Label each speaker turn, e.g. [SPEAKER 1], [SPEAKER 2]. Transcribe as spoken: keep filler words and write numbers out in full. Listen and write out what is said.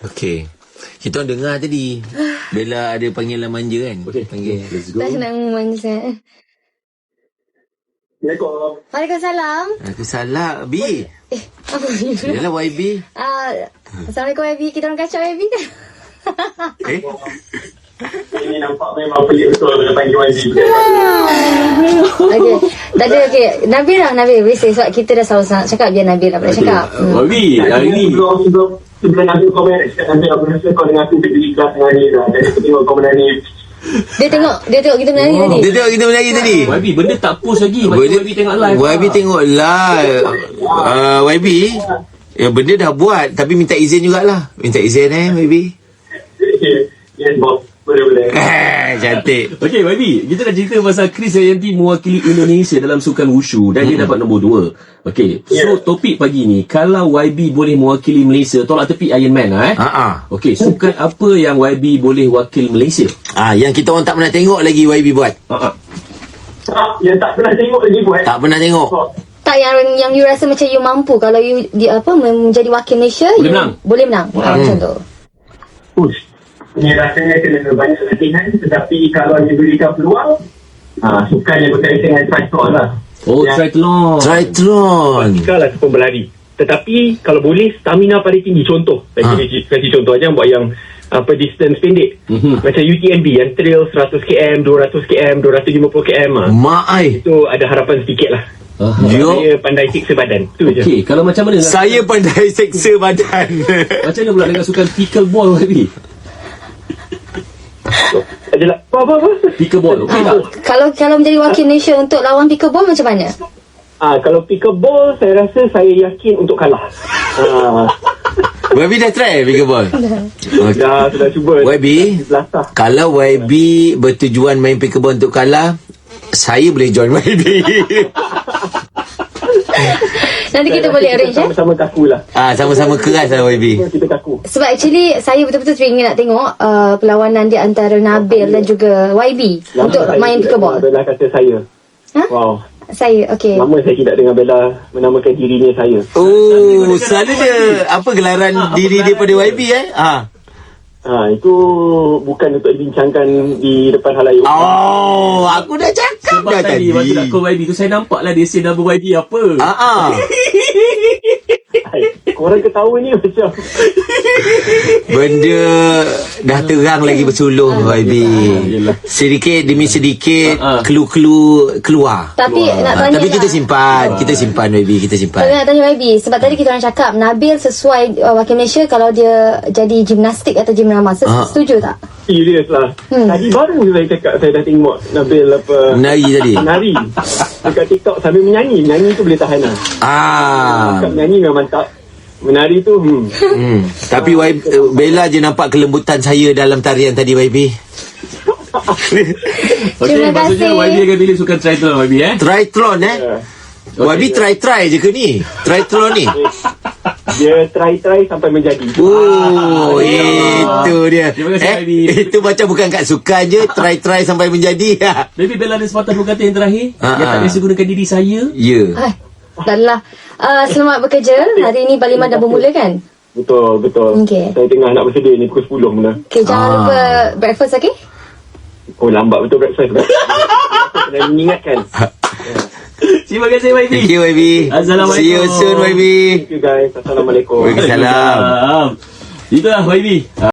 [SPEAKER 1] Okey. Kita orang dengar tadi Bella ada panggilan manja kan.
[SPEAKER 2] Okay,
[SPEAKER 1] panggil.
[SPEAKER 2] let's go.
[SPEAKER 3] Tak nak manja.
[SPEAKER 4] Assalamualaikum.
[SPEAKER 3] Waalaikumsalam.
[SPEAKER 1] Aku salah B.
[SPEAKER 3] Eh, apa ni?
[SPEAKER 1] Yalah Y B.
[SPEAKER 3] Ah, Assalamualaikum Y B. Kita orang kacau Y B kan?
[SPEAKER 1] Eh?
[SPEAKER 4] Ini nampak memang pelik betul bila panggil Y B.
[SPEAKER 3] Okey. Tak ada, okey. Nabil lah, Nabil. Biasa sebab kita dah selalu sangat cakap biar Nabil lah pula cakap. Hmm.
[SPEAKER 2] Wabi, hari ni
[SPEAKER 4] Sebelum sebelum sebelum Nabil komen, cakap Nabil aku rasa kau dengan aku jadi kelas dengan ni lah. Jadi aku tengok kau menangis.
[SPEAKER 3] Dia tengok, dia tengok kita menari tadi.
[SPEAKER 1] Dia tengok kita menari tadi.
[SPEAKER 2] Wabi, benda tak post lagi. Macam
[SPEAKER 1] Benda-
[SPEAKER 2] Wabi tengok live.
[SPEAKER 1] Y B tengok live. uh, Y B ya, benda dah buat tapi minta izin jugalah. Minta izin eh Y B.
[SPEAKER 4] Yes, boss. Boleh-boleh.
[SPEAKER 1] Eh, cantik.
[SPEAKER 2] Okey, Wabi, kita dah cerita pasal Chris Dayanti mewakili Indonesia dalam sukan wushu dan dia dapat nombor dua. Okey, so
[SPEAKER 4] Yeah.
[SPEAKER 2] topik pagi ni, kalau Y B boleh mewakili Malaysia, tolak tepi Iron Man lah eh.
[SPEAKER 1] Ha ah.
[SPEAKER 2] Okey, sukan apa yang Y B boleh wakil Malaysia?
[SPEAKER 1] Ah, yang kita orang tak pernah tengok lagi Y B buat.
[SPEAKER 2] Ha ah.
[SPEAKER 4] Tak, yang tak pernah tengok lagi buat.
[SPEAKER 1] Tak pernah tengok.
[SPEAKER 3] Tak yang yang you rasa macam you mampu kalau you di, apa menjadi wakil Malaysia
[SPEAKER 2] Boleh
[SPEAKER 3] you,
[SPEAKER 2] menang.
[SPEAKER 3] boleh menang. Ha, macam tu.
[SPEAKER 4] Push. Ini rasanya kena banyak latihan, tetapi kalau diberikan peluang, ha, sukan yang berkaitan dengan triathlon lah.
[SPEAKER 2] Oh,
[SPEAKER 4] Ya.
[SPEAKER 2] triathlon.
[SPEAKER 1] Triathlon.
[SPEAKER 4] Basikal ataupun berlari. Tetapi kalau boleh stamina paling tinggi. Contoh,
[SPEAKER 1] Ha.
[SPEAKER 4] kasih, kasih contoh aja buat yang apa distance pendek.
[SPEAKER 2] Mhm.
[SPEAKER 4] Macam U T M B yang trail seratus kilometer, dua ratus kilometer, dua ratus lima puluh kilometer. Ha.
[SPEAKER 1] Mak ai.
[SPEAKER 4] Itu ada harapan sedikit lah.
[SPEAKER 2] Ah.
[SPEAKER 1] Yo.
[SPEAKER 4] Saya pandai siksa badan. Tu je.
[SPEAKER 2] Okey, kalau macam mana?
[SPEAKER 1] Saya pandai seksa badan.
[SPEAKER 2] Macam mana pula dengan sukan pickleball Y B?
[SPEAKER 4] Adalah apa-apa.
[SPEAKER 2] Pickleball, okey tak?
[SPEAKER 3] Ha, kalau kalau menjadi wakil Malaysia untuk lawan pickleball macam mana?
[SPEAKER 4] Ah, kalau pickleball, saya rasa saya yakin untuk kalah. Ah,
[SPEAKER 1] Y B dah try pickleball. Okay.
[SPEAKER 4] dah sudah cuba.
[SPEAKER 1] Y B,
[SPEAKER 4] Belasah.
[SPEAKER 1] kalau Y B bertujuan main pickleball untuk kalah, saya boleh join Y B.
[SPEAKER 3] Nanti kita
[SPEAKER 4] Saya
[SPEAKER 3] boleh
[SPEAKER 4] rasa
[SPEAKER 3] arrange eh.
[SPEAKER 4] sama-sama kaku lah.
[SPEAKER 1] Ah, sama-sama keras lah Y B.
[SPEAKER 4] Kita kaku.
[SPEAKER 3] Sebab actually saya betul-betul teringin nak tengok uh, perlawanan di antara Nabil dan juga Y B untuk
[SPEAKER 4] Lama
[SPEAKER 3] main
[SPEAKER 4] saya
[SPEAKER 3] pickleball.
[SPEAKER 4] Bella kata saya.
[SPEAKER 3] Ha?
[SPEAKER 4] Wow.
[SPEAKER 3] Saya, okey.
[SPEAKER 4] Lama saya tidak dengar Bella menamakan dirinya saya.
[SPEAKER 1] Oh, selalu dia apa gelaran diri dia pada Y B eh? Ah.
[SPEAKER 4] Ha, itu bukan untuk dibincangkan di depan halayak.
[SPEAKER 1] Oh, aku dah cakap
[SPEAKER 2] Sebab
[SPEAKER 1] dah
[SPEAKER 2] tadi
[SPEAKER 1] tadi.
[SPEAKER 2] waktu nak call Y B tu saya nampak lah dia say double Y B apa.
[SPEAKER 1] Ah ah.
[SPEAKER 4] Hai, korang ketawa ni macam
[SPEAKER 1] Benda dah terang lagi bersuluh Y B.
[SPEAKER 2] Yelah.
[SPEAKER 1] Sedikit demi sedikit
[SPEAKER 2] Ah, ah.
[SPEAKER 1] clue-clue keluar.
[SPEAKER 3] Tapi nak
[SPEAKER 1] Ah,
[SPEAKER 3] tanya
[SPEAKER 1] tapi kita
[SPEAKER 3] lah.
[SPEAKER 1] simpan, kita simpan Y B, kita
[SPEAKER 3] Tapi
[SPEAKER 1] simpan.
[SPEAKER 3] nak tanya Y B, sebab tadi kita orang cakap Nabil sesuai uh, wakil Malaysia kalau dia jadi gimnastik atau gimnama. Ses-
[SPEAKER 1] Ah.
[SPEAKER 3] Setuju tak?
[SPEAKER 4] serius lah.
[SPEAKER 3] Hmm.
[SPEAKER 4] Tadi baru saya cakap saya dah tengok Nabil apa
[SPEAKER 1] Menari tadi.
[SPEAKER 4] menari dekat TikTok sambil menyanyi. Menyanyi tu boleh tahan lah.
[SPEAKER 1] Ah.
[SPEAKER 4] Cakap menyanyi memang mantap. Menari tu hmm.
[SPEAKER 1] Hmm. Tapi Y B, Bella je nampak kelembutan saya dalam tarian tadi Y B.
[SPEAKER 2] Okey,
[SPEAKER 3] Terima
[SPEAKER 2] maksudnya
[SPEAKER 3] kasih.
[SPEAKER 2] Y B akan pilih sukan triathlon Y B eh.
[SPEAKER 1] Triathlon eh.
[SPEAKER 4] Ya.
[SPEAKER 1] Y B try-try je ke ni? Triathlon ni.
[SPEAKER 4] Dia try-try sampai menjadi.
[SPEAKER 1] Oh, itu dia.
[SPEAKER 2] Terima kasih,
[SPEAKER 1] Eh,
[SPEAKER 2] Y B.
[SPEAKER 1] itu macam bukan kat sukan je, try-try sampai menjadi.
[SPEAKER 2] Baby Bella ada sepatah dua kata yang terakhir
[SPEAKER 1] Ah,
[SPEAKER 2] yang tak
[SPEAKER 1] ah.
[SPEAKER 2] biasa gunakan diri saya.
[SPEAKER 1] Ya.
[SPEAKER 3] Hai. Dah lah. Uh, selamat bekerja. Hari ini Parlimen dah bermula kan?
[SPEAKER 4] Betul, betul.
[SPEAKER 3] Okey.
[SPEAKER 4] Saya tengah nak bersedia ni pukul sepuluh mula.
[SPEAKER 3] Okay, jangan
[SPEAKER 1] Ah.
[SPEAKER 3] lupa breakfast, okay?
[SPEAKER 4] Oh, lambat betul breakfast. Kena mengingatkan.
[SPEAKER 2] Terima kasih Y B.
[SPEAKER 1] Thank you Y B.
[SPEAKER 2] Assalamualaikum.
[SPEAKER 1] See you soon Y B.
[SPEAKER 4] Thank you guys. Assalamualaikum.
[SPEAKER 1] Waalaikumsalam.
[SPEAKER 2] Itulah Y B.